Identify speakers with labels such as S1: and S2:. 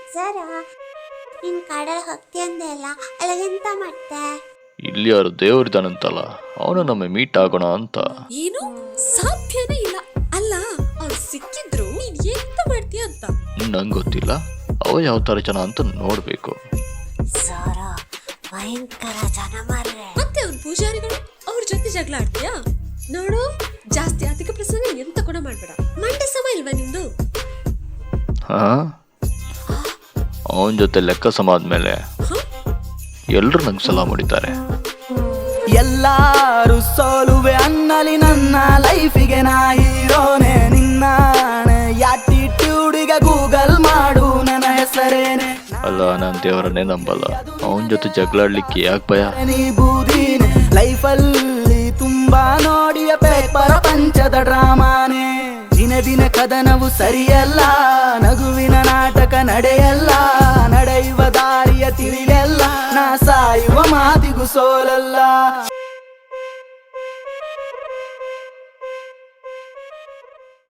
S1: ಸರ ನೀನ್ ಕಾಡಲ್ಲಿ ಹೋಗ್ತಿ ಅಂದೆ ಅಲ್ಲ, ಅಲ್ಲಿಗೆಂತ ಮತ್ತೆ?
S2: ಇಲ್ಲಿ ಯಾರು ದೇವ್ರಿದ್ದಾನಂತಲ್ಲ, ಅವನು ನಮ್ಮ ಮೀಟ್ ಆಗೋಣ ಅಂತ.
S3: ಏನು ಸಾಧ್ಯನೇ ಇಲ್ಲ. ಅಲ್ಲ ಅವ್ರು ಸಿಕ್ಕಿದ್ರು ನೀನ್ ಎಂತ ಮಾಡ್ತೀಯ ಅಂತ
S2: ನಂಗೆ ಗೊತ್ತಿಲ್ಲ, ಅವ ಯಾವ ತರ ಜನ ಅಂತ ನೋಡ್ಬೇಕು.
S1: ಸರ ಭಯಂಕರ ಜನ ಮಾರ್ರೆ.
S3: ಮತ್ತೆ ಅವ್ರ ಪೂಜಾರಿಗಳು ಅವ್ರ ಜೊತೆ ಜಗಳ ಆಡ್ತೀಯಾ? ನೋಡು, ಜಾಸ್ತಿ ಅಧಿಕ ಪ್ರಸಂಗ ಎಂತ ಕೂಡ ಮಾಡ್ಬೇಡ. ಮಂಡೆ ಸಮ ಇಲ್ವಾ ನಿಮ್ದು?
S2: ಹಾ, ಅವನ ಜೊತೆ ಲೆಕ್ಕ ಸಮ ಆದ್ಮೇಲೆ ಎಲ್ರು ನಂಗೆ ಸಲಾ ಮಾಡಿದ್ದಾರೆ.
S4: ಎಲ್ಲಾರು ಸೋಲುವೆ ಅನ್ನಲಿ ನನ್ನ ಲೈಫಿಗೆ ನಾ ಹೀರೋನೆ. ನಿನ್ನ ಆಟಿಟ್ಯೂಡಿಗೆ ಗೂಗಲ್ ಮಾಡು ನನ್ನ ಹೆಸರೇನೆ.
S2: ಅಲ್ಲ, ನಾನು ದೇವರನ್ನೇ ನಂಬಲ್ಲ, ಅವನ ಜೊತೆ ಜಗಳಾಡ್ಲಿಕ್ಕೆ ಯಾಕೆ ಭಯ?
S4: ನೀ ಬೂದಿನ ಲೈಫಲ್ಲಿ ತುಂಬಾ ನೋಡಿಯ ಪೇಪರ ಪಂಚದ ಡ್ರಾಮಾನೆ. ದಿನ ದಿನ ಕದನವು ಸರಿಯಲ್ಲ, ನಗುವಿನ ನಾಟಕ ನಡೆಯಲ್ಲ. ನಡೆಯುವ ದಾರಿಯ ತಿಳಿಯಲ್ಲ, ನಾ ಸಾಯುವ ಮಾತಿಗೂ ಸೋಲಲ್ಲ.